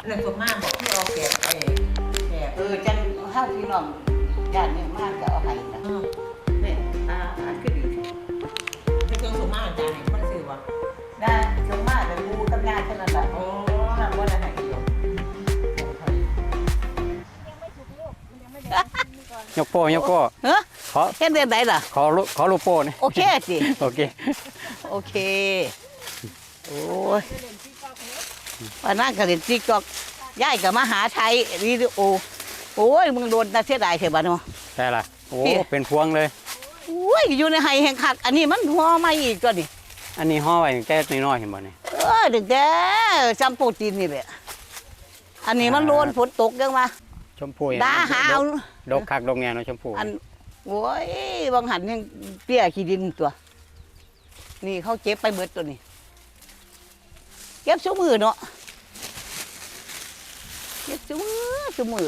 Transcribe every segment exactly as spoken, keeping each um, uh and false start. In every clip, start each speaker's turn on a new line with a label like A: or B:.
A: นั่นส่วนมากบอกที่เอาแกะไปแกะ
B: เออจังเฮาพี่น้องญาติเนี่ยมากจะเอาให้นะ
A: เออ
B: เนี่ยอ่าอ่าคือดี
A: ที่เครื่องส่วนมากอาจารย์เนี่ยมันซื้อวะ
B: นะชมมากแต่กูกับญาติเท่านั้นแหละ
A: โอ้
B: ทำว่าอะไรอยู่
C: ยกโป้ยกโป้
B: เฮ้ย
C: ขอ
B: เฮ็ดเดือนไหนล่ะ
C: ขอรูขอรูปโป้นี่
B: โอเคสิ
C: โอเค
B: โอเคโอ้ยวันนั้นก็เล่นติ๊กต็อกยายก็มาหาไทยวิดีโอโอ้ยมึงโดนน่าเสียดายเถอะบ้านเนาะ
C: ใช่ล่ะโอ้
B: พี่
C: เป็นพวงเลย
B: โอ้ยอยู่ในไห้แห่งขัดอันนี้มันหัวไม่อีกตัวนี่
C: อันนี้ห่อไว้แค่น้อยๆเห็นบ่นี่
B: เออดึกแด้จำโปรตีนนี่แหละอันนี้มันโดนฝนตกยังมา
C: ชมพู
B: ดาหาเอา
C: ดกคักดกแงเนาะชมพู
B: อันโอ้ยบางหันยังเปี้ยขี้ดินตัว นี่เขาเก็บไปเบิดตัวนี้เก็บชั่วมือเนาะเก็บชั่วมือชั่วมือ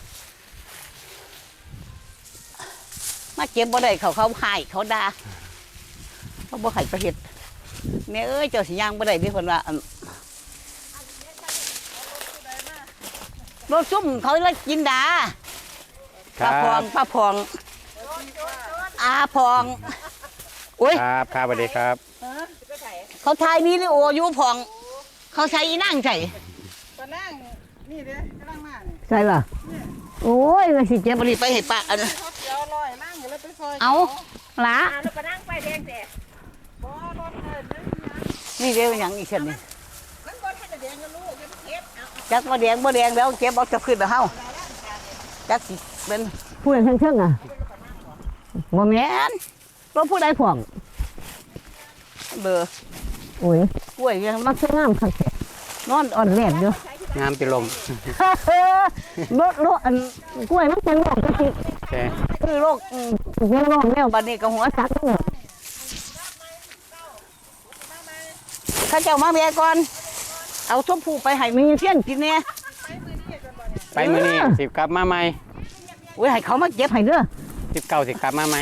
B: มาเก็บบ่ได้เขาเขาหายเขาด่าเขาบ่ให้ไปเฮ็ดแม่เอ้ยเจ้าสิย่างบ่ได้เดิเพิ่นว่าอั่นรถซุ่มเขาเลยกินดา
C: ค
B: ป้า
C: รับ
B: พองป้าพองอาพองโอ้ย
C: ครับครับสวัสดีครับ
B: เขาถ่ายวิดีโออยู่พอง เขาใช้อีนั่งใส่
A: ตอนนั่งนี่เด้กำลังมาเนี่ย
B: ใช่ล่ะโอ้ยมันสิเจ็บบริไปให้ปะอัน
A: เขาเดี๋ยวลอยนั่งอยู่แล้วไปซอย
B: เอาหลา
A: แล้วก็นั่งไปแดงแต่บ่รถเอิญนั่งนะ
B: นี่เดี๋ยวอย่างอีกเช่นนี้
A: มันบ่ทันจะแดงกันลูกยังเก็บเอา
B: จักบ่แดงบ่แดงแล้วเก็บเอาจะขึ้นแล้วเฮาจักสิเป็นผู้ใดเชิงๆอ่ะบ่แม่นรถผู้ใดพ่องเบอร์โอ้ยกล้วยยังมักสวยงามคักแท้นอนอ่อนแลดอยู่
C: งามเป็นลม
B: รถรถอันกล้วยมันเป็นโรคกระติก
C: โอเค
B: คือโรคอืมเป็นโรคแล้วบัดนี้ก็หัวสักทั้งหมดข้าเจ้ามาแม่ก่อน เอาชมพูไปให้มีเสี้ยนกินเนี่ย
C: ไปมื้อนี้สิกลับมาใหม่
B: โอ้ยให้เขามาเก็บให้เด้อ
C: สิบเก้าสิกลับมาใหม่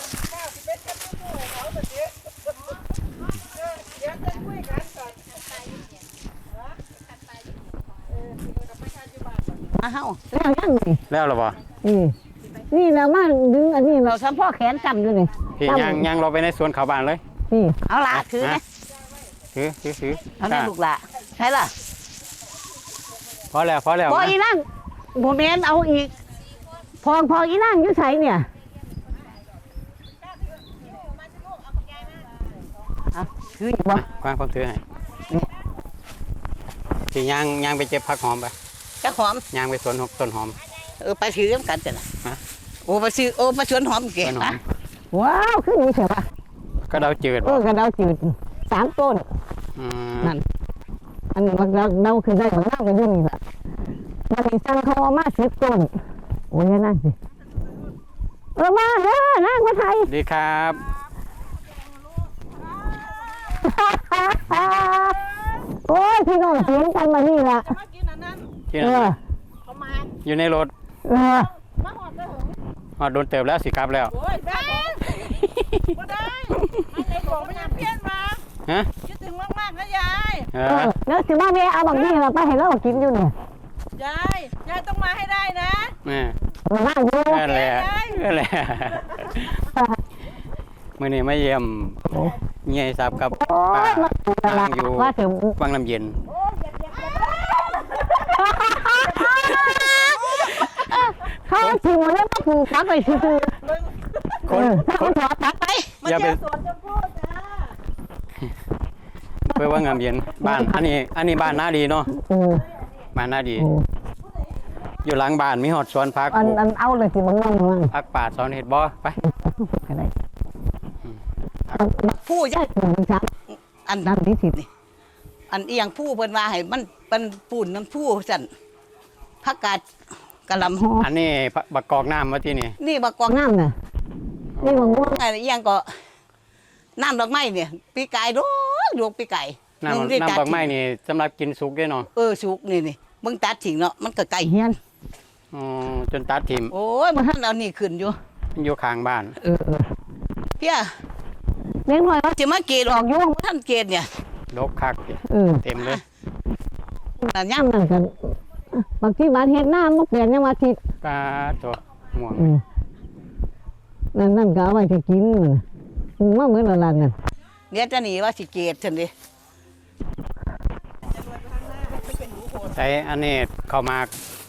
B: มาเฮาแล้วยังนี่
C: แล้วเหรอบ่
B: นี่นี่เรามาดึงอันนี้เราซ้ำพ่อแขนจำอยู่นี่
C: พี่ย่างย่างเราไปในสวนเขาบ้านเลย
B: นี่เอาละถือนะ
C: ถือถือถือ
B: เอาแม่ลูกละใช่ล่ะ
C: พอแล้วพอแล้ว
B: พอ
C: นะ
B: อีนั่งโมเมนเอาอีก พองพออีนั่งอยู่ใส่เนี่ยเอาคืออยู่บ่
C: กวางความถือให้พี่ย่างย่างไปเก็บผักหอมไป
B: จะหอม
C: ย่างไปสวนหกต้นหอม
B: เออไปซื้อกันจ้ะนะ
C: ฮะ
B: โอ้ไปซื้อโอ้ไปสวนหอมเก๋
C: สวนหอม
B: ว้าวขึ้นนี่เฉยปะ
C: ก็เดาจืด
B: เออกระเดาจืดสามต้น
C: อืม
B: นั่นอันนี้มันเดาคือได้ของเรากันอยู่นี่แหละมันมีสั่งเขาเอามาสิบต้นโอ้ยนั่งสิเออมาเด้อนั่งมาไทย
C: ดีครับ
B: โอ้ยพี่น้องเสียงกันมานี่ละ
A: มากินอันนั้น
C: ที่
B: เอ
C: นั่น
B: อ
C: น่ะ
A: เขามา
C: อยู่ในรถ
B: เออ
A: มาหอดได้หง
C: อ๋อโดนเติบแล้วสิครับแล้ว
A: โอ้ยแม่บ่ได้มันเลยบอกไม่อยากเพี้ยนมา
C: ฮะ
A: คิดถึงมากๆนะยาย
C: เอ
B: เอ
C: อ
B: อแล้วสิมาเมียเอาบางนี่เราไปให้เรากินอยู่เนี่ย
A: ยายยายต้องมาให้ได้นะ
C: นี่
B: มานั่งอยู่
C: นั่นแหละนั่นแหละมื่อนี้มาเยี่ยมเงียทราบกับ
B: โอ้
C: ป้าย
B: มาตลาด
C: อยู่
B: ว่าถึง
C: วังน้ำเย็น
B: เขาถึงวันนี้มาปลูกตักไปซื้อ
C: คน
B: ถ้า
C: ค
B: เขา
C: น
B: ถอดตักไป
C: อย่าไป
A: สวนชมพู่จ้า
C: ไปวังน้ำเย็นบ้านอันนี้อันนี้บ้านนาดีเนาะ
B: โอ้
C: บ้านนาดี
B: โอ้
C: อยู่หลังบ้านมีหอดสวนพัก
B: อันอันเอาเลยสิบางน้องมั่ง
C: พักป่าสอนเห็ดบ่ไป
B: อะไรผู้ใหญ่หนึ่งสามอันนั้นที่สิบนี่อันเอียงผู้เพิ่นว่าให้มันเป็นปูนน้ำผู้สั่นผักกาดกะหล่ำหอ
C: อันนี้บักกอกน้ำมาที่นี่
B: นี่บักกวางน้ำน่ะนี่บางม่วงอะไรเอียงก็น้ำดอกไม้เนี่ยปีกายดอกดวงปีกาย
C: น้ำน้ำดอกไม้นี่สำหรับกินสุกได้เนาะ
B: เออสุกนี่นี่มึงตัดทิ้งเนาะมันก็ไก่เฮียน
C: อ๋อจนตัดทิม
B: โอ้ยมันท่านเอานี่ขึ้นอยู่
C: อยู่ข้างบ้าน
B: เออเออเพี่ยเลี้ยงหน่อยว่าจะมาเกตออกอยู่มันท่านเกตเนี่ย
C: ดกคัก
B: เออ
C: เต็มเลย
B: แต่ย่ำนั่นกันบางที่บ้านเฮ็ดหน้ามันเปลี่ยนยังมาทิศ
C: ปลาตัวม่วง
B: อืมนั่นนั่นก็เอาไว้จะกินมันน่ะอืมว่าเหมือนละลันนั่นเนี่ยจะหนีว่าสิเกตฉันดิ
C: ใช้อันนี้เข้าวหมาก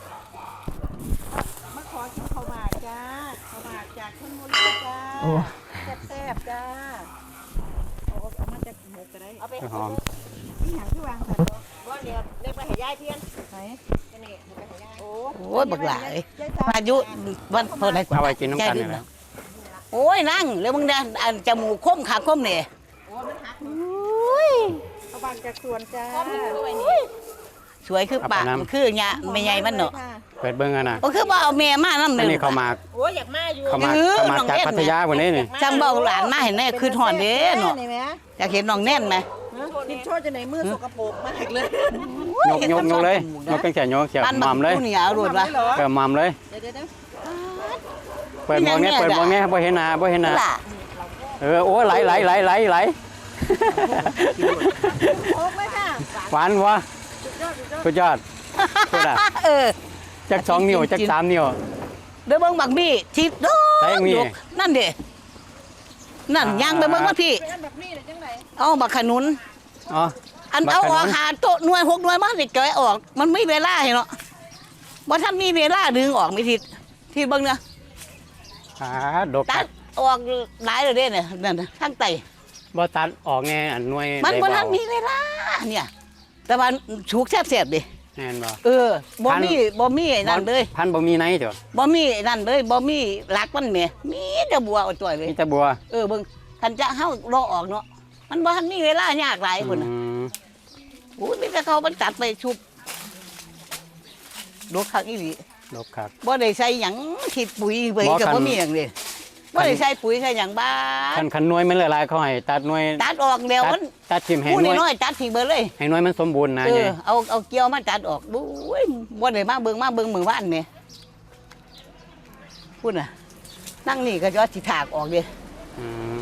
A: มาขอกินข้าวหมากจ้าข้าวหมากจากชลบุรีจ้า
B: โอ้
A: แซ่บๆจ้าเอาเอามาจากหมกก็ได้เอาไป
C: หอม
A: ที่หางที่วางค่ะว่าเดี๋ยวเล็กไปให้ยายเทียนไหนกันนี่ไปให้ยายโอ้
B: โอ้ยบักหลายพายุวันเท่าไหร่
C: เอาไว้กินน้ำกันนี่แหละ
B: โอ้ยนั่งแล้วมึงเดินอันจมูกคมขาคมเนี่ย
A: โอ้มันหัก
B: โอ้ย
A: เอาบางจากสวนจ้า
B: สวยคือปากคือหยาไม่ใหญ่มันเนาะ
C: เปิดเบิ้งกันนะ
B: ก็คือว่าเอาแม่มานั่น
C: อั
B: นึ
C: น
B: ง
C: นี้ข้าวหมาก
A: โอ้ยอยากมาอยู่
C: ข้าวหมาก
B: เออ
C: ข้าวหมากจาก
B: น้องเอ็ด
C: พัทยาวันนี้นี่
B: จังเบาหลานมาเห็นแน่คือหอนเด้เนาะ
A: นี่ไหม
B: อยากเห็นน้องแน่นไหม
A: กินโชว์จะไหนมือสกปรกมากเลย
C: ยกยกยกเลยยกเป็นแขนยกเสียบ
B: ปั้น
C: ห
B: บั
C: ม่ำเลย
B: กูเหนียวรุดวะ
C: เปิดหม่ำเลย
A: เดี๋ยวเดี๋ยว
C: เปิดมองเนี้ยเปิดมองเนี้ยบ่เห็นหน้าบ่เห็นหน้า
B: ล่ะ
C: เออโอ้ไหลไหลไหลไหลไหล
A: โอ้ไม่ค่ะ
C: หวานวะสุดยอดสุดอ่ะ
B: เออ
C: จักสองนิ้วจักสามนิ้ว
B: เด้อเบิ่งบักบี้ทิศโด
C: ใส่มี
B: ยกนั่นเด้นั่นย่างไปเบิ่งว่าพี่
A: เป็นแบบนี้เลยจังไหน
B: เอาบักขนุน
C: อ๋อ
B: อัน
C: บัก
B: เอา
C: ขนุน
B: ออกหาโต๊ะหน่วยหกหน่วยมาสิแกะออก มันไม่เวลาให้เนาะบ่ทันมีเวลาดึงออกไม่ทิศที่เบิ่งเนาะ
C: อ่าดก
B: ตัดออกหลายเลยเด้เนี่ยนั่นน่ะทางไต
C: บ่ตัดออกแน่อันหน่วย
B: มันบ่
C: ได้
B: ทัน
C: เบา
B: มีเวลาเนี่ย แต่ว่าฉุกแซ่บๆดิ
C: แน่นบ่
B: เออบ่
C: พัน
B: มีบ่มีไอ้นั่นเลย
C: พันบ่มีไหนจ้ะ
B: บ่มีไอ้นั่นเลยบ่มีหลักมันแหม่มีแต่บัวเอาจ่อยเลย
C: มีแต่บัว
B: เออเบิ่งคันจะเฮารอออกเนาะมันบ่ทันมีเวลายากหลายพุ่นน่ะ
C: อืม
B: โอ้ยมีแต่เขามันตัดไปชุบดอกคักอีหลี
C: ดกครับ
B: บ่ได้ใส่หยังขีดปุ๋ยเบิ่ง
C: บ่
B: ก็
C: คัน
B: บ่มีหยังเลยบ่ได้ใส่ปุ๋ยใส่หยังบ้า
C: คันคันหน่วยมันหลายๆเขาให้ตัดหน่วย
B: ตัดออกแล้ว
C: ตั
B: มั
C: ด
B: น
C: ตัดทิ่มให้
B: ผู้
C: หน่วย
B: น้อยๆตัดทิ้งเบิดเลย
C: ให้หน่วยมันสมบูรณ์นะ
B: เอ
C: ไง
B: อเอาเอาเกี่ยวมาตัดออกดูโอ้ยบ่ได้มาเบิ่งมาเบิ่งมื้อวานแหม่พุ่นน่ะนั่งนี่ก็จะสิถากออกเด้
C: อืม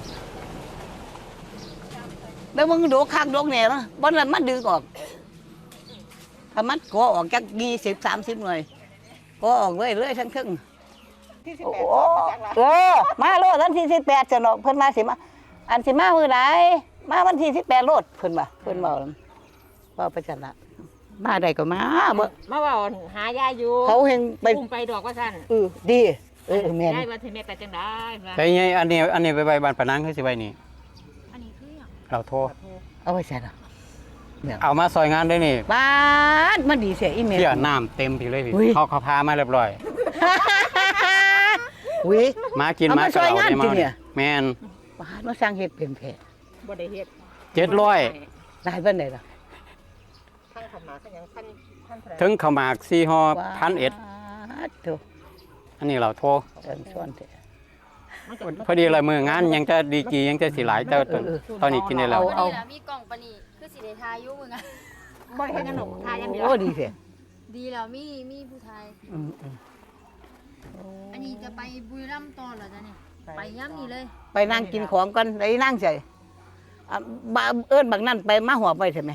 B: แล้วมึงโดกคักโดกแหน่เนาะบ่นั้นมันดึงออกถ้ามันก็ออกจักยี่สิบ สามสิบหน่วยก็ออกเลยเลยทั้งครึ่ง
A: ที่สิบ
B: โอ้
A: แปด
B: โหเออมาโลดวันที่สิบแปดจะเนาะเพิ่นมาสิมาอันสิมามื้อใดมาวันที่สิบแปดโลดเพิ่นว่าเพิ่นเว้าเว้าไปจังละมาได้ก็มาบ่
A: มาว่าหายายอยู่
B: เขาเฮงไป
A: อุ้มไปดอกว่าสั่น
B: เออดีเออแม่น
A: ได้ว่าถึงแม่ไปจังได้ว่า
C: แต่ไงอันนี้อันนี้ไปไว้บ้านปะนังคือสิไว้นี่
A: อันนี้คืออย่าง
C: เราโทร
B: เอาไว้ใส่ละ
C: เอามาซอยงานได้นี่
B: บ้าดมันดีเสียอีเมล
C: เพี่ยน้ำเต็มพี่เลยพี่
B: อุ้ย
C: เขาเขาพามาเรียบร้อย
B: อุ้ย
C: มากิน
B: เอา
C: มา
B: มาซอยงาน
C: ได้
B: จริงเนี่ย
C: แมน
B: บ้าดมาสร้างเฮ็ดเป็นแผล
A: บ่ได้เฮ็ด
C: เจ็ดร้อย
B: ได้เพิ่นได้ล่ะ
A: ทั้งขมาทั้งหยังพันพันเท่าไหร่
C: ถึงข้าวหมากสี่ห่อพันเอ็ด
B: บ้าดโธ่
C: อันนี้เราโทร
B: เอิ้นส่วนเถอะ
C: พอดีเลยมืองานยังจะดีกียังจะสีหลายแต่ตอน
B: เออ
C: ตอนนี้กินได้แล้ว
B: เอา
D: วันนี้ล่ะมีกล่องปะนี่คือสิได้ทายอยู่มึงอะ
A: บ่ได้เฮ็ดหยังหนกทาอย่างเดียว
B: โอ้ดีเสีย
D: ดีแล้วมีมีผู้ทาย
B: อืมอืม
D: อันนี้จะไปบุรีรัมย์ต่อเหรอจ๊ะเนี่ยไปย่ำนี่เลย
B: ไปนั่งกินของก่อนได้นั่งใส่อ่ะบ้าเอิ้นบักนั่นไปมาหัวไปใช่ไหม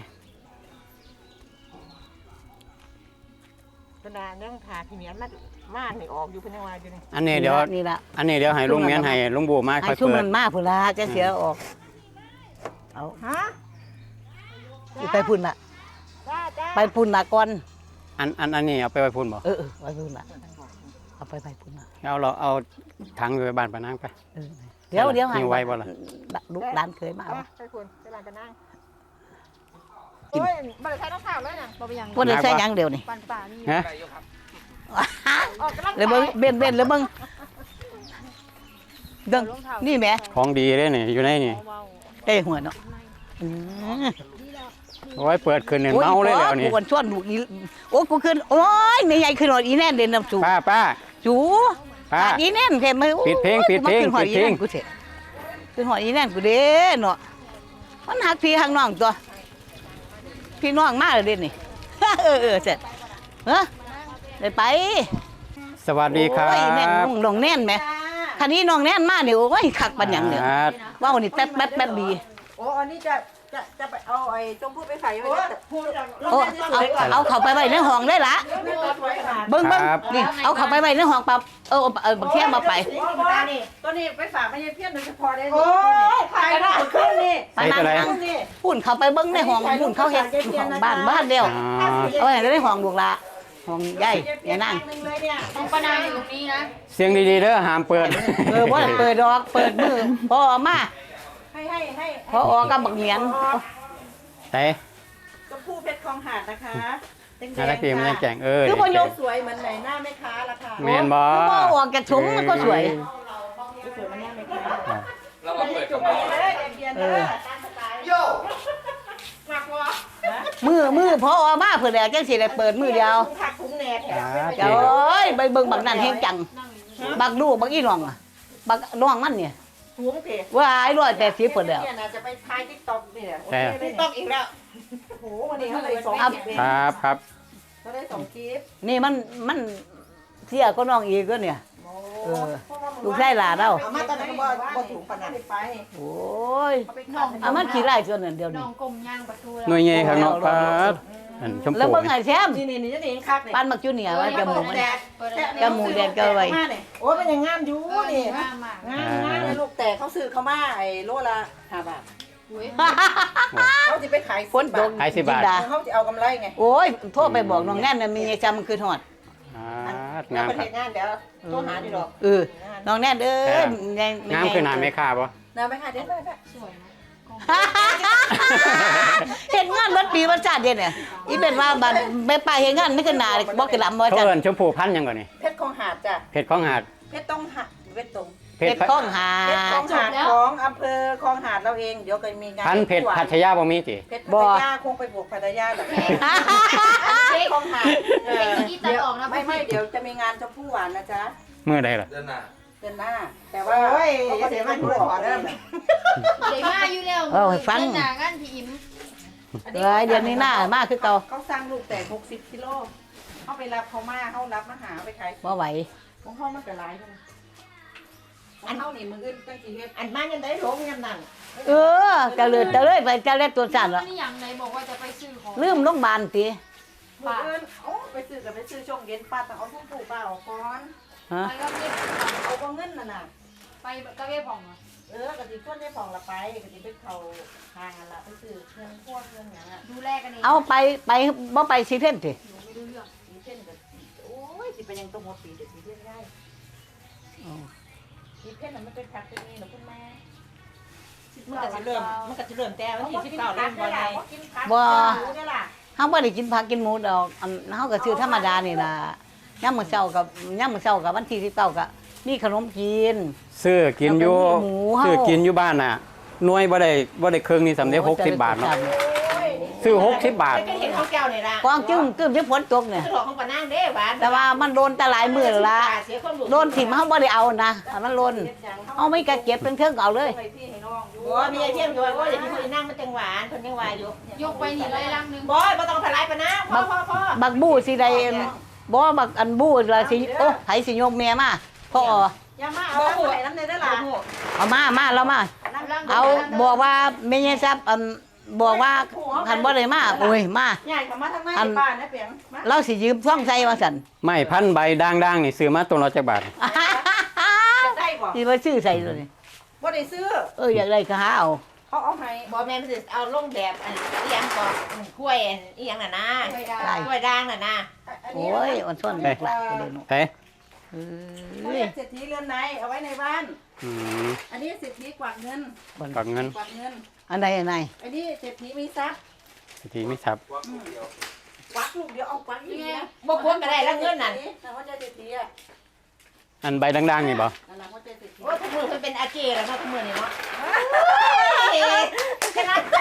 A: ขนาดเรื่องทาที่เหมียนมามานี่ออกอยู่เพิ่นยังว่าอยู่นี่
C: อันนี้เดี๋ยว
B: นี่ละ
C: อันนี้เดี๋ยวให้ลุงเมียนให้ลุงบูมา
B: ให้
C: ค่อย
B: ชุ่ม
C: เปิ
B: มั
C: ด
B: นมาพุ่นละจะเสียออก เอา
A: ฮะ
B: สิไปพุ่นละ
A: จ้าจ้า
B: ไปพุ่นละก่อน
C: อันอันอันนี้เอาไปไว้พุ่นบ่
B: เออเออไปพุ่นละเอาไปไปพุ่นละ
C: เอาเราเอาถังไปบ้านปะนังไป
B: เออเดี๋ยวเดี๋ยว
C: หิ้วไว้บ่ล่ะ
B: ลูกหลานเคยมา
A: เอา
B: เอา
A: มาไปคุณไปร้านกันนั่ง
B: กิน
A: โอ้ยบ่ได้ใช้น้ำข้าวเลยน่ะ
D: บ่ไปยัง
B: พุ่นได้ใส่หยังเดียวนี่
D: ปันป่านี่
C: ฮะ
A: ออกกำลัง
B: เลยเบิ้งเบนเบนเลยเบิ้งเดิงนี่แหม่
C: ของดีเลยนี่อยู่ในนี่
D: เบา
B: เต้หัวเนาะอืม
C: โอ้ยเปิดขึ้นเนี่ยเมาเลยแล้วนี่
B: กูวันชวนลูกอีโอ้กูขึ้นโอ้ยไม่ใหญ่ขึ้นหน่อยอีแน่นเด่นน้ำสู
C: ป้าป้า
B: จู
C: ป้า
B: หาอีแน่นแค่ไม่
C: ปิดเพลงปิดเพลง
B: ขึ้นหอย
C: ปิ
B: อี
C: ดเพลง
B: แน่นกูเถอะขึ้นหอยอีแน่นกูเด้เนาะมันหักพี่หักน้องตัวพี่น้องมาเลยเด่นนี่ เออเออเสร็จเฮ้ยได้ไป
C: สวัสดีครั
B: โอ้ยแน่น
C: บ
B: น้องแน่นไหมคันนี้น้องแน่นมาเดี๋ยวโอ้ยคักปันหยังเนี่ย
C: ครับ
B: ว่าวนี่แป๊บแป๊บแป๊บดี
A: โอ้อันนี้จะจะจะไปเอาไอ้จมพู่ไปใส่ไว้พูด
B: โอ้เอาเอาเข้าไปไว้ในห้องได้ละเบิ่งเบิ่งนี่เอาเข้าไปไว้ในห้องปั๊บเออเออบักเทียมมาไป
A: ตัวนี้ไปฝากไม่ใช่เพี้ยนโดยเฉพาะได้โอ้ยขายได้ขึ้นนี่
B: ปานนั้นพุ่นเข้าไปเบิ่งในห้องพุ่นเขาเฮ็ดห้องบ้านบ้านเดียว
C: อ๋อ
B: เอาไว้ในห้องลูกละห้องใหญ่ยายนาง
D: ต้องปนางอยู่ตรงนี้นะ
C: เสียงดีๆเด้อห้ามเปิด
B: เออบ่ได้เปิดดอกเปิดมือพอออกมา
A: ให้ให้ให้
B: พอออกกับบักเหมียน
C: แต่
A: ชมพู่เพชรคลองหาดนะคะ
C: น่ารักดีมันยังแก่งเออ
B: คือบ่ยก
A: สวยเหมือนไหนหน้าแม่ค้าละค่ะ
C: แม่นบ่
B: คือบ่ออกจากถุงมันก็สวย
A: สวยเหมือนหน้าแม่ค้า
E: เรามาเปิด
A: จุ่
E: กั
A: ม
E: บ
A: ไปเลยเดียนเลยตามสไตล์โย่หนักวะ
B: มือมือพอออกมาเพิ่นแล้วจังสิได้เปิดมือเดียว
A: ผักถุงแหนแถม
B: เจ้าเอ้ยไปเบิ่งบักนั่นแฮงจังบักลูกบักอีน้องอะบักน้องมันเนี่ย
A: ถุงเถอะ
B: ว่าไอ้ร้อยแปดสิบเพิ่นแล้ว
A: เนี่ยนะจะไปทายติ๊กต็อกนี่แหละติ๊กต็อกอีกแล้วโอ้โหวันนี้เขาเลยสองคลิป
C: ครับครับ
A: เขาได้สองคลิป
B: นี่มันมันเสียก็น้องอีกก็เนี่ย เออลูกชายหลานเรา
A: เอามาตอนนั้นก็บ่บ่ถุงปานนั้นไป
B: โอ้ย
D: น้อง
B: เอามันขี้ไล่ส่วนนั้นเดียว
D: น้
B: นี้
D: องกลมย่างประตู
C: หน่วยใหญ่ข้างนอกครับอันชม
B: แล้ว
C: พู
B: เบิ่งไอ้แซม
A: นี่นี่นี่จะเห็นคักนี่
B: ปานมักจูเนียร์ว่าจมูกมัน จมูกแดงเกินไป
A: โอ้ยมันยังงามอยู่
D: โอ้
A: นี่
D: นี่มากมาก
A: งามงามเลยลูกแต่เขาซื้อเขามาไอ้โลละห้าบาท
D: อุ้ย
A: เขาจะไปขาย
B: ฝนตก
C: ขายสิบบาท
B: จินด
A: เขาจะเอากำไรไง
B: โอ้ยโทรไปบอกน้องแน่นน่ะมีไอ้จำมันคือทอด
C: อ่า
A: แล้
C: งาว ม
A: ประ
C: ค
A: เท
C: รับ
A: ศงานเดี๋ยวโทรหาดีดอก
B: เออน้องแน่นเอ้ยยัง
C: งามคือหนาไม่ค่าบ่
A: นะไปหาเด็ดไปไป
D: สวยนะ
B: เห็นงานวัดปีวัดชาติเด่นเนี่ยอีเป็นว่าบัดไปไปเห็นงานนี่คือหนาบอกกระลำบ่
C: เขา
B: จัด
C: เอิ้นชมพูพันธุ์หยังก่อนนี่
A: เพชรคลองหาดจ้ะ
C: เพชรของหาด
A: เพชรต้องหาดเพชรตรง
C: เพ
B: เป็
C: ช
B: ด
C: ร
B: ข้องหา
A: เพชรคลองหาดของอำเภอคลองหาดเราเองเดี๋ยวก็มีงาน
C: พันธุ์เพชรพัทยาบ่มีติ
A: เพชรพัทยาคงไปบวกพัทยาแบบเพชรคลองหาดเอ
D: เป็น
A: อ
D: ที่ที่ตัดออกนะ
A: ไม่ไม่เดี๋ยวจะมีงานชมพู่หวานนะจ๊ะ
C: มื้อใดล่ะ
E: เดือนหน้า
A: เดือนหน้า แต่ว่าเขาก็เดี๋ยวมาดูขอเริ่ม
D: เดี๋ยวมาอยู่แล้วหน้างานพี่อิม
B: เอ้ยเดือนนี้หน้ามาคือเก่า
A: เขาสร้างลูกแต่หกสิบกิโลเขาไปรับเขามาเขารับมาหาไปขาย
B: บ่ไหว
A: ของเขามันก็หลายใช่ไหมอันเขานี่มืออื่นตั้งกี่เฮ็ดอันมายังได้หลงยังนั่น
B: เออจะเลือจะเลยไปจะเล็ดตัวสั่น
D: แล้
B: ละ
D: วนี่อย่างไหนบอกว่าจะไปซื้อของ
B: ลืมโรงพยาบาลติ
A: มืออื่นโอ้ไปซื้อกับไปซื้อช่วงเย็นป้าต้องเอาทุ่งปลูกป้าออกก่อน
B: ฮะ
D: ไปก็เว็บ
A: เอาก็เงินน่ะน่ะ
D: ไปก็เว็บของเหรอ
A: เออกะทิก้นได้ฟองละไปกะทิไปเขาทางอันละไปซื้อเครื่องพวกเครื่องอย่างอ่ะ
D: ดูแลกันเอง
B: เอาไปไปบ่ไปซีเทนติ
D: หนูไม่รู้เรื่อง
A: สีเส้นกับโอ้ยสิเป็นยังตรงหัวปีเด็ดสีเส้นได้สีเส้นน่ะมันเป็นผักเป็นนี่หรอคุณแม่มันก็จะเริ่มมันก็จะเริ่มแต่วันที่สิบเก้าเริ่มบ่ไง
B: บ่
A: รู้ได้ล่ะ
B: เฮาบ่ได้กินผักกินหมูดอกอันเฮาก็ซื้อธรรมดานี่ล่ะยามมื้อเช้ากับยามมื้อเช้ากับวันที่สิบเก้าก็มีขนมกิน
C: ซื้อกินอยู่
B: แล้วก็มีหมูเฮา
C: ซื้อกินอยู่บ้านน่ะหน่วยบ่ได้บ่ได้เครื่องนี่สำเร็จหกสิบบาทเนาะซื้อหกสิบบาท
A: ก็เห็นข้าวแก้วนี่ล่ะ
B: กวางจึ้งกึ้มที่ฝนตกเนี่ย
A: จะหลอกของปานั่งเด้หวาน
B: แต่ว่ามันโดนแต่หลายมื้อแล้วละโดนถิ่มเฮาบ่ได้เอานะถ้ามันโดนเอาไม่กะเก็บเป็นเครื่องเอาเลย
A: โอ้มีไอเทียมอยู่ว่าอย่าพี่คนนั่งมันจังหวานคนยังหวานอยู่
D: ยกไปนี่เลยลังนึง
A: บอยบ่ต้องถลายปะนะพ่อพ่อพ่อ
B: บักบู้สิได้บ่บักอันบู้ละสิโอ้ไผสิยกแม่มาพ่อ
A: อย่ามาเอาน้ำไหลน้ำในได้ล่ะ
B: เอามามาแล้วมา เอาบอกว่าแม่ยายทรัพย์อันบอกว่าคันบ่ได้มาโอ้ยมา
A: ใหญ่กว่ามาทางในบ้านนะเปียงมา
B: เราสิยืมซ่องใส่ว่าซั่น
C: ไม้พันใบด่างๆนี่ซื้อมาตัวละจักบาท
A: จะได้บ่
B: สิบ่ซื้อใส่เลย
A: บ่ได้ซื้อ
B: เอออยากได้ก็หาเอา
A: เขาเอาให้บ่แม่มันสิเอาลงแบบอันอีหยังก่อนกล้วยอีหยังน่ะนะกล้วยด่างน่ะนะ
B: โอ้ยอ่อนซ่อนเด็กละบ่ได้เนาะ
C: แต่
B: เอ
A: เขา
B: ้
A: เรี
B: ย
A: ยกเศรษฐีเรือนไหนเอาไว้ในบ้าน
C: อืม
A: อันนี้เศรษฐีกวักเงิน
C: กับเงิน
A: กวักเงิน
B: อันใดอันไหน
A: อันนี้เศรษฐีมีทรัพย์
C: ที่ไม่ทับ
A: กวักลูกเดียวเอากวักอีกเนี่ย
D: บ่ควรก็ได้แล้วเงินนั่น
A: แต่ว่าจะเศรษฐีอ่ะ
C: อันใบด่างๆนี่บ่
A: นั่นล่ะว่าจะเศรษฐี
D: โอ้ทุกมือเพิ่นเป็นอาเจแล้วเนาะทุกมือนี่เนาะ
A: ขนาด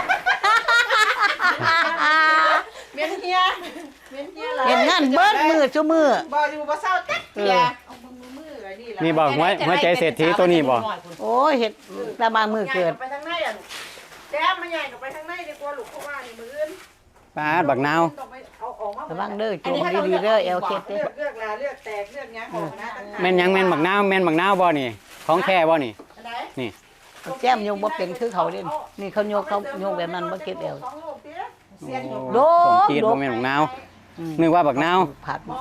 A: เมียนเฮียเมียนเฮียล่ะ
B: เห็นงานเบิดมือซุมือ
A: บ่อยู่บ่เศร้าจักเทียเอามือมือไอ้นี่ล่ะ
C: นี่บ่หัวหัวใจเศรษฐีตัวนี้บ่
B: โอ้ยเฮ็ดแต่บางมือเกิด
A: ไปทางในอ่ะแจ๊บมาใหญ่กับไปทางในดีกว่าลูกเพราะว่านี่มืออื่น
C: ปาดบักนาว
A: ต้องไปเอาออกมา
B: ระวังเด้อจูงดีๆเด้อแอลเคสเด้
A: เลื
B: อ
A: อกเลือกลาเลือกแตกเลือกหยังออกนะต่างๆ
C: แม่นหยังแม่นบักนาวแม่นบักนาวบ่นี่ ของแท้บ่นี่
A: อันไหน
C: นี่
B: แก้มยกบ่เป็นคือเขาเด่นนี่เขายกเขายกแบบนั้นบ่เก็บเอว โด
C: สม
B: ด
C: จีด
B: โด
C: บ่
B: ด
C: แม่นบักนาวนึกว่าบักนาว
B: ผัด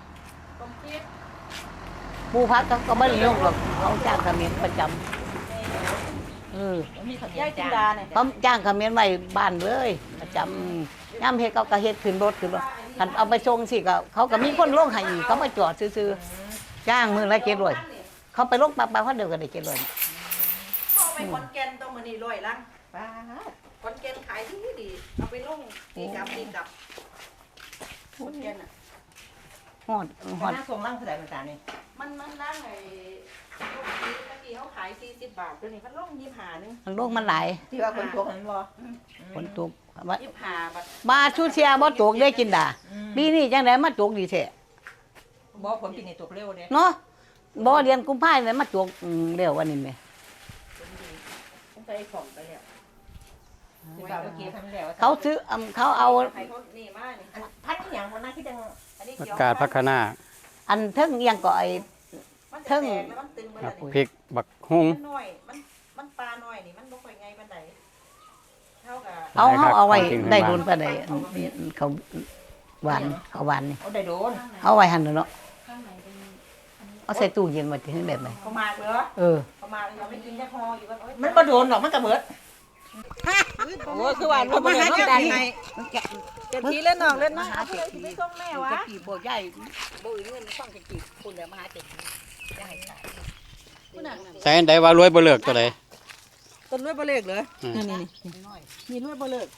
B: ปูพัดเขาก็ไม่ได้ยกหรอกเขาจ้างเขมิ้นประจำเออ
A: มีข
E: ยาย
A: ยะ
E: จิน
A: จ้า
E: ดาเนี่ย
B: เขาจ้างเขมิ้นไว้บ้านเลยประจำย่ำเฮ็ดเขาก็เฮ็ดขึ้นรถขึ้นรถคันเอาไปส่งสิก็เขาก็มีคนลงให้อีกเขามาจอดซื่อๆจ้างมือละเจ็ดร้อยเขาไปลงปั๊บๆเขาเดียวก็ได้เจ็ดร้อย
E: เข้าไปขอนแก่นต้องมานี่ร้อยลัง
A: ป้า
E: ขอนแก่นขายที่ดีเอาไปลงตีกับตีกับขอนแก่นอ่ะ
B: ฮอดฮอด
A: หน้าทรงร่างเท่าไหร่ภาษานี่
E: มันมันลังไอ้ลูกนี้ตะกี้เขาขายสี่สิบบาทตัวนี้มันลงยี่สิบห้านึง
B: มันโลกมันหลาย
A: ที่ว่าคนตัวนั้นบ่
B: ฝนตกว่า
E: ยี่สิบห้าบาท
B: มาชูเชียบ่ตกได้กินดาปีนี้จังได๋มาตกดีแท้
A: บ่ผลปีนี้ตกเร็วเด้
B: เนาะบ่เดือนกุมภาพันธ์มาตกอืมเร็วกว่านี้แหม
E: ต้องไปของไปแล้ว
A: ที่ว่าเมื่อกี้ทำแล้ว
B: เขาซื้ออำเขาเอา
E: ใครเขานี่มานี่
A: พันอย่างวันนั้นที่จัง
E: อันนี้
C: ผัก
E: เกี่ยว
C: กาดผักคะน้า
B: อันเทิงเอียงก็ไอ้
E: มัน
B: เทิ
E: จะ
B: ง
E: แตกแล้วมันตึงมา
C: ครั
E: แล้
C: บ
E: วนี่
C: พริกบักฮุง
E: มันน้อยมันมันปลาน้อยนี่มันบ่ค่อยไงปานใดเท่ากับ
B: เอาเฮาเอาไว้
C: ของกินพื้น
B: ได้
C: บ้าน
B: โดนปานใดอันเขาหวานเขาหวานนี่
A: เอาได้โดน
B: เอาไว้หั่นเนาะเอาใส่ตู้เย็นไว้ที่แบบไหน
E: ประมาณเหรอ
B: เออ
E: ประมาณยังไม่กินแค่พออยู่ก็
A: มันบ่โดนหรอกมันก็เบิด
E: โอ้คือว่าเราบ่ได้เจ้าทีเจ้าทีเล่นน้องเล่นน้องเอาผู้ใดสิไปส่งแม่วะ
B: จะกี่บ่ใหญ่บ่อื่นเงินฟังจะกี่คุณแล้วมาหาเจ็ดจะให้ขาย
C: ใส่อันใดว่ารวยบ่เลิกตัวใด
E: ต้นรวยบ่เลิกเหรอ
C: อืม
E: นี่นี่นี่รวยบ่เลิก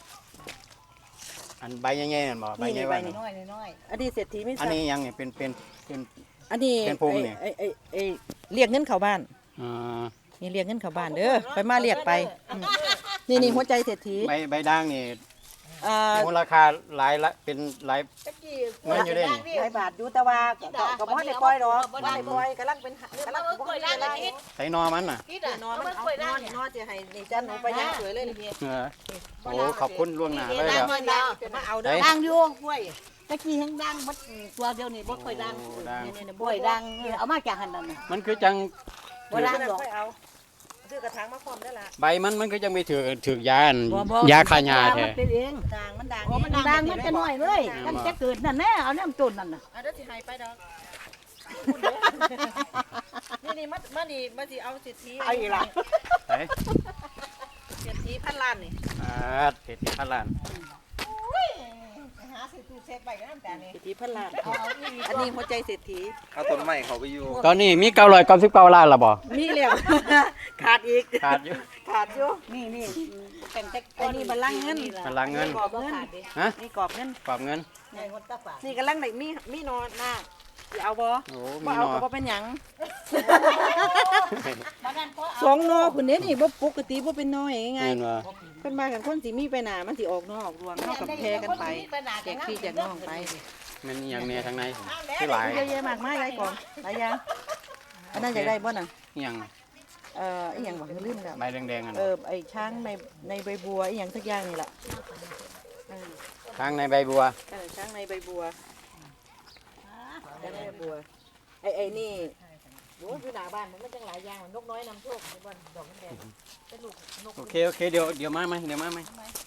C: อันใบใหญ่ๆนั่นบ่ใบใหญ่
E: นี่
C: ว่า
E: ใบ
B: น้อยน้อย
E: อันนี้เศรษฐีไม่
C: อัน
E: ทราบ
C: นี้ยังนี่เป็นเป็นเป็น
E: อันนี้
C: เป็นภูมินี่
E: ไอ้ไอ้ไอ้เรียกเงินเข้าบ้าน
C: อ่า
E: นี่เรียกเงินเข้าบ้านเด้อไปมาเรียกไปอืมนี่นี่หัวใจเศรษฐี
C: ใบใบด่างนี่
E: อ่า
C: มูลค่าหลายละเป็นหลายเงินอยู่เด้นี่
E: หลายบาทอยู่แต่ว่าก็ก็ก็บ่ได้ปล่อยดอกบ่ได้ปล่อยกำลังเป็นกำลังบ่ได้เวลา
C: ใส่นอมันน่ะ
E: นอนมันเอานอนนอนจะให้นี่จันหนูไปย่างสวยเลยนี่
C: เออโอ้ขอบคุณล่วงหน้าเลยอ่ะ
E: มาเอาเด้อ
B: ดังอยู่กล้วยตะกี้แห้งดังบัดตัวเดียวนี่บ่ค่อยดัง
C: โอ้ดัง
B: นี่ๆกล้วยดังเออเอามาจากหั่นนั่นน่ะ
C: มันคือจัง
B: บ่ดังดอก
E: ค่อยเอาซื้อกระถางมาพร้อมได้ละ
C: ใบมันมันก็จังไปถือถือยาอัน
B: บ่บ่
C: ยาฆ่าหญ้าแท้
B: มันเป็นเอง
E: ด่างมันด่าง
B: โอ้มันดังมันจะน้อยเลยมันจะเกิดนั่นแน่เอาน้ำต้นนั่นน่ะ
E: เอาเด้อสิให้ไปดอกนี่นี่มามานี่มาสิเอาสิทธิ
B: เอาอีกล่ะ
C: ไอ้
E: สิทธิพันล้านนี่
C: อ่าเศรษฐีพันล้าน
A: หาซื้อตู้เซฟไปก็น้ำตาลนี่
E: สิทธิพันล้านอันนี้หัวใจเศรษฐี
F: เอาต้นไม้เขาไปอยู่
C: ตอนนี้มีเก้าร้อยเก้าสิบเก้าล้านและบ่
E: มีแล้วขาดอีก
C: ขาดอยู่
E: ขาดอยู่
B: นี่นี่เป็นแต่
E: ไอ้นี่บัลลังก์เงิน
C: พลังเงิน
E: กรอบเงิน
C: ฮะ
E: นี่กรอบเงิน
C: ปรับเงิน
B: ในคนตาฝาด
E: นี่กำลังได้มีมีนอนหน้าสิเอาบ่
C: โอ้
E: บ่
C: มี
E: เอา
C: นอ
E: ก็บ่เป็นหยัง
B: บ้านนั้นก็
E: สองนอพุ่นเด้นี่บ่ปกติบ่เป็นน้อยไง
C: เงินว่า
E: เพิ่นมากันคนสิมีไปหน้ามันสิออกนอกออกรวงเฮากับแพรกันไปแจกพี่แจกน้องไป
C: มันอหย่างแนี้ทางในที่หลาย
E: เยอะแยะมากมายหลายกล่องหลายอย่างอันนั้นอยากได้บ่น่ะ
C: อหย่าง
E: เอ่ออีหยังบ่ลืมแล้ว
C: ใบแดงๆอัน
E: เออไอ้ช้างในในใบบัวอีหยังสักอย่างนี่ล่ะเออ
C: ทางในใบบัว
E: เออช้างในใบบัวช้างในใบบัวไอ้ไอ้นี่โอ้ยอยู่หน้าบ้านมันมันจังหลายอย่างนกน้อยนำโชคในบ้านดอกมันแดงเป็นลูกนก
C: โอเคโอเคเดี๋ยวเดี๋ยวมาไหมเดี๋ยวมาไหม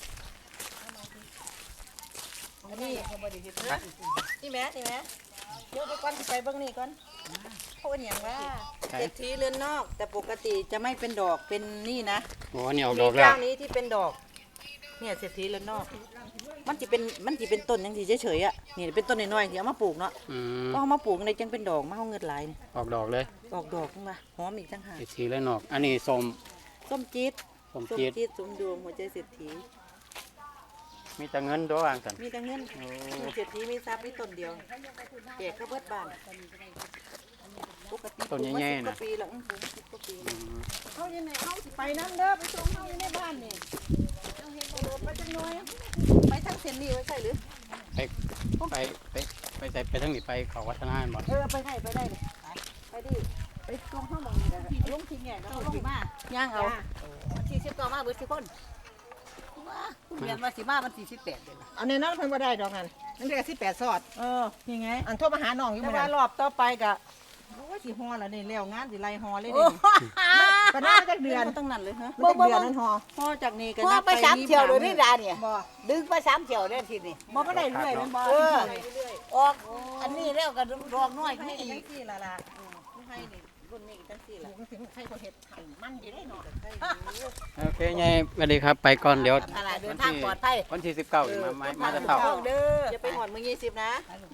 E: อันนี้นี่แม่นี่แม่เดี๋ยวไปก่อนสิไปเบิ่งนี่ก่อนเพราะว่าอย่างว่าเศรษฐีเรือนนอก แต่ปกติจะไม่เป็นดอกเป็นนี่นะ
C: โอ้เนี่ยออกด
E: มี
C: อกแล้ว
E: เจ้านี้ที่เป็นดอก เนี่ยเศรษฐีเรือนนอก มันจะเป็นมันจะเป็นต้นยังสิเฉยๆอ่ะนี่เป็นต้นน้อยๆที่เอามาปลูกเนาะ
C: อืม
E: ก็เอามาปลูกในจังเป็นดอกมาเอาเงินหลายนี่
C: ออกดอกเลย
E: ออกดอกขึ้นมาหอมอีกต่างหาก
C: ไอ้สีและนอก อันนี้ส้ม
E: ส้มจี๊ด
C: ส้ม
E: ส้ม
C: จีด
E: จี๊ดสมดวงหัวใจเศรษฐี
C: มีแต่เงินตัววางกัน
E: มีแต่เงินมีเศรษฐีมีทรัพย์มีต้นเดียวแจกเข้าเบิดบ้านปกติปลูกมาสิบกว่าปีแล้วอื้อปลูกมาสิบกว่าปีแล้ว เขาอยู่ไหนเขาสิไปน้ำเด้อไปส่งเขาอยู่ในบ้านนี่เอาเห็นกระโดดไปจังน้อยไปทางเส้นนี้ไว้ใช่หรือ
C: ไปไปไปไปใส่ไปทั้งนี้ไปเขาวัฒนาบ่
E: เออไปได้ไปได้เลยไปดิไปส่งเขามองนี่แหละลงทิ้งแง่ก็
B: เอา
E: เอา
B: ล
E: ล
B: ง
E: ง
B: มา
E: ย่างเอา
B: สี่สิบต่อมาเบิดสิคนมาคุณเรียนว่าสิมามันสี่สิบแปดเดือนละ
A: เอาในนั้นเพิ่นบ่ได้ดอกนั่นนั่นเรียกสิบแปดซอด
E: เออยังไง
A: อันโทรมาหาน้องอยู่
E: แต่
A: มื้อ
E: ว่า
A: นั้น
E: รอบต่อไปกะโอ้ยสิฮอแล้วนี่แล้วงานสิไล่ฮอเลย
A: โอ้
E: นี่
A: ไป
E: ก็น่าจะเดือนตั้งนั้นเลยฮะ
B: บ่
E: ไม่
B: บ่
E: เดือนนั้นหอพ่อจากนี้ก็
B: พ่อไปสามเที่ยวเลยนี่ดาเนี่ย
E: บ่
B: ดึงไปสามเที่ยวเลยทีนี้
E: บ่ก็ได้เรื่อยมันบ่
B: เออออกอันนี้แล้วก็ดอกน้อย
E: ให้
B: นี่
E: จั
B: อี
E: ง
B: ก
E: ซี่ล่ะล่ะให้นี่รุ่นนี้จังซี่ล่ะ
A: ถึงใครก็เฮ็ดให้มันสิได้เนาะ
C: โอเคไงสวัสดีครับไปก่อนเดี๋ยว
B: อะไรเดินทางปลอดภัย
C: วันที่สิบเก้ามามามาจะเต่า
B: เด้อ
E: อย่าไปหอดมือยี่สิบนะ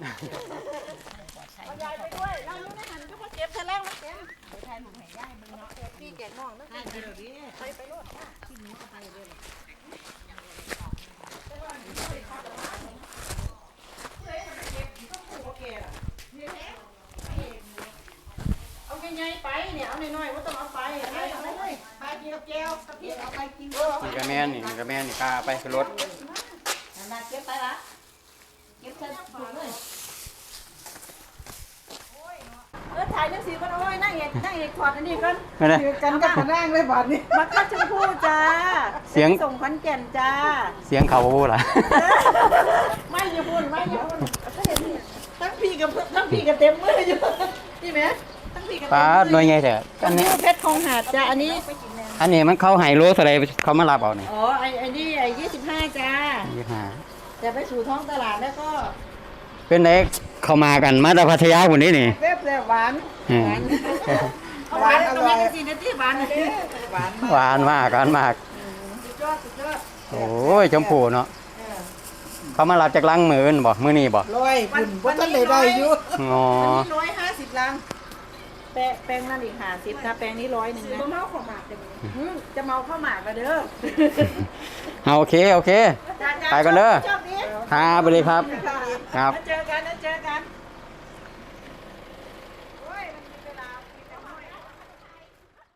E: เอายายไปด้วยเราอยู่ในหันก็บ่เก็บแท้แรงมันเต็มพี่แกน้องนะไปไปรถ เอาใหญ่ๆไปเนี่ยเอาน้อยๆว่าต้องเอาไปไปเอาเลยไปกินกับแก้วกับพี่เอาไปกินเออ
C: นี่ก็แม่นนี่นี่ก็แม่นนี่กล้าไปขึ้นรถ
B: มาเก็บไปละเก็บใส่ถุงเลย
E: เออถ่ายจังสีก็โอ้ยนั่งเอกนั่งเอกถอดอันนี้ก่อน
C: ไม่ได้
E: คือกันกับขนางเลยบาดนี้บักคัดชมพู่จ้า
C: เสียง
E: ส่งขอนแก่นจ้า
C: เสียงเขาพูดล่ะ
E: ไม่อย่าพูดไม่อย่าพูดทั้งพี่กับทั้งพี่กับเต็มมืออยู่นี่ไหมทั้งพี่กับ
C: ป้าหน่วยไงเถอะอันนี้
E: เพชรคงหาดจ้าอันนี้
C: อันนี้มันเข้าไฮโลอะไรเขามารับเอานี่
E: อ๋อไอ้ไอ้นี่ไอ้ยี่สิบห้าจ้า
C: ยี่ห้า
E: แต่ไปสู่ท้องตลาดแล้วก็
C: เป็นไงเข้ามากันมาจากพัทยาคนนี้นี่
E: เป๊บเลยหวาน
C: อืม
E: หวานตรงนี้สินาทีหวานเลยหวาน
C: หวานมากหวานมาก
E: สุดยอดสุดยอด
C: โอ้ยชมพูเนาะเขามารับจากลังมืออนบ่มือนี่บ่
E: ร้อยบุญว่าท่านได้ได้อยู่
C: งอ
E: อันนี้ร้อยห้าสิบลังแปะแปลงนั่นอีกห้าสิบนะแปลงนี้ร้อยหนึ่งนะเมาข้าวหมากจะเมาข้าวหมากกันเด้อ
C: เอาโอเคโอเค ไปก่อนเด้อ
E: ชอบดี
C: ครับสวัสดีครับ ครับ
E: แล้วเจอกันแล้วเจอกัน